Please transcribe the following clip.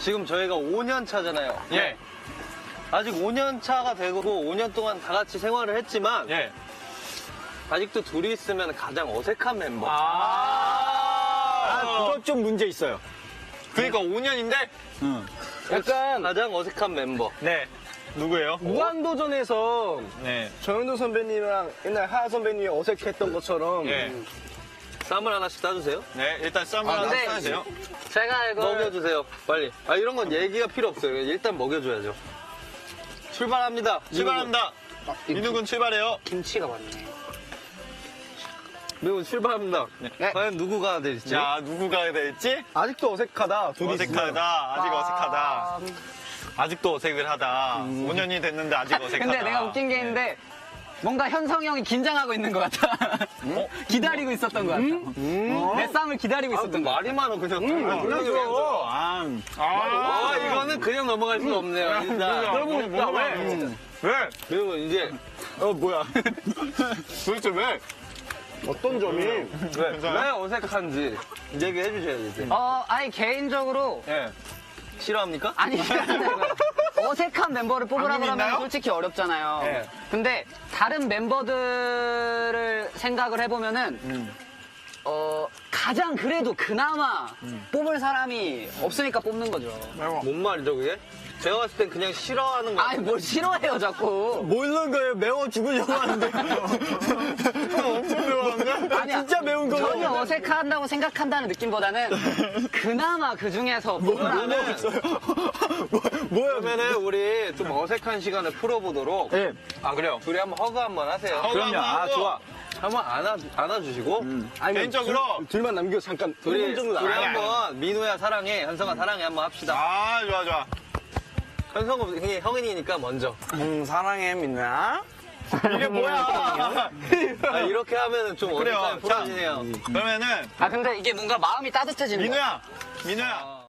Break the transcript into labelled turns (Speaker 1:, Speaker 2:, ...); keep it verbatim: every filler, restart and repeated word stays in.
Speaker 1: 지금 저희가 오 년 차잖아요.
Speaker 2: 예.
Speaker 1: 아직 오 년 차가 되고 오 년 동안 다 같이 생활을 했지만
Speaker 2: 예.
Speaker 1: 아직도 둘이 있으면 가장 어색한 멤버.
Speaker 2: 아,
Speaker 3: 그건 좀 문제 있어요.
Speaker 2: 그러니까 오 년인데?
Speaker 1: 약간 가장 어색한 멤버.
Speaker 2: 네. 누구예요?
Speaker 3: 무한도전에서
Speaker 2: 네.
Speaker 3: 정현도 선배님이랑 옛날 하하 선배님이 어색했던 것처럼
Speaker 2: 예.
Speaker 1: 쌈을 하나씩 따주세요.
Speaker 2: 네, 일단 쌈을
Speaker 1: 아,
Speaker 2: 하나
Speaker 1: 근데
Speaker 2: 싸주세요.
Speaker 4: 제가 이걸
Speaker 1: 먹여주세요. 빨리. 아 이런 건 얘기가 필요 없어요. 일단 먹여줘야죠. 출발합니다.
Speaker 2: 출발합니다. 민욱은 출발해요.
Speaker 4: 김치가 많네.
Speaker 1: 매우 출발합니다.
Speaker 4: 네.
Speaker 1: 과연 누구가 될지.
Speaker 2: 자, 누구가 될지?
Speaker 3: 아직도 어색하다. 둘이
Speaker 2: 어색하다. 아직 어색하다. 아직도 어색을 하다. 오 년이 됐는데 아직 어색하다.
Speaker 4: 근데 내가 웃긴 게 있는데 뭔가 현성이 형이 긴장하고 있는 것 같아.
Speaker 2: 어?
Speaker 4: 기다리고 있었던 것 같아.
Speaker 1: 음?
Speaker 4: 내 쌈을 기다리고
Speaker 1: 아,
Speaker 4: 있었던 것 같아.
Speaker 1: 말이 많아 그냥.
Speaker 3: 그래서 아,
Speaker 2: 아,
Speaker 1: 아, 이거는 그냥 넘어갈 수가 없네요. 일단.
Speaker 2: 여러분,
Speaker 1: 왜?
Speaker 2: 왜? 왜?
Speaker 1: 그리고 이제
Speaker 3: 어 뭐야?
Speaker 2: 도대체 왜?
Speaker 3: 어떤 점이
Speaker 1: 왜, 왜 어색한지 얘기해 주셔야지. 이제.
Speaker 4: 어, 아니 개인적으로
Speaker 1: 예. 싫어합니까?
Speaker 4: 아니 어색한 멤버를 뽑으라
Speaker 2: 방금
Speaker 4: 그러면
Speaker 2: 있나요?
Speaker 4: 솔직히 어렵잖아요.
Speaker 1: 네.
Speaker 4: 근데 다른 멤버들을 생각을 해보면은
Speaker 2: 음.
Speaker 4: 어 가장 그래도 그나마
Speaker 2: 음.
Speaker 4: 뽑을 사람이 없으니까 뽑는 거죠.
Speaker 1: 뭔 말이죠 그게? 제가 봤을 땐 그냥 싫어하는 거
Speaker 4: 아니 뭘 싫어해요 자꾸.
Speaker 3: 모르는 거예요. 매워 죽으려고 하는데.
Speaker 2: 엄청 매워한데?
Speaker 4: 아니야.
Speaker 3: 진짜 매운 거예요.
Speaker 4: 전혀 어색한다고 생각한다는 느낌보다는 그나마 그 중에서 뽑으라면
Speaker 3: 뭐야?
Speaker 1: 그러면은 우리 좀 어색한 시간을 풀어보도록.
Speaker 3: 네.
Speaker 1: 아 그래요? 둘이 한번 허그 한번 하세요.
Speaker 2: 허그
Speaker 3: 그럼요.
Speaker 2: 한번
Speaker 3: 아
Speaker 2: 하고.
Speaker 3: 좋아.
Speaker 1: 한번 안아 안아주시고.
Speaker 3: 아니면
Speaker 2: 개인적으로.
Speaker 3: 둘, 둘만 남겨 잠깐.
Speaker 1: 둘이
Speaker 3: 일 분 정도
Speaker 1: 둘이
Speaker 3: 나가요.
Speaker 1: 한번 민호야 사랑해, 현성아 사랑해 한번 합시다.
Speaker 2: 아, 좋아, 좋아.
Speaker 1: 현성은 형이- 형이니까 먼저.
Speaker 3: 음, 사랑해 민나.
Speaker 2: 이게 뭐야?
Speaker 1: 아, 이렇게 하면은 좀
Speaker 2: 그래요.
Speaker 1: 어색하게 풀어지네요.
Speaker 2: 그러면은,
Speaker 4: 아 근데 이게 뭔가 마음이 따뜻해지는 거야.
Speaker 2: 민우야, 민우야.
Speaker 1: 아.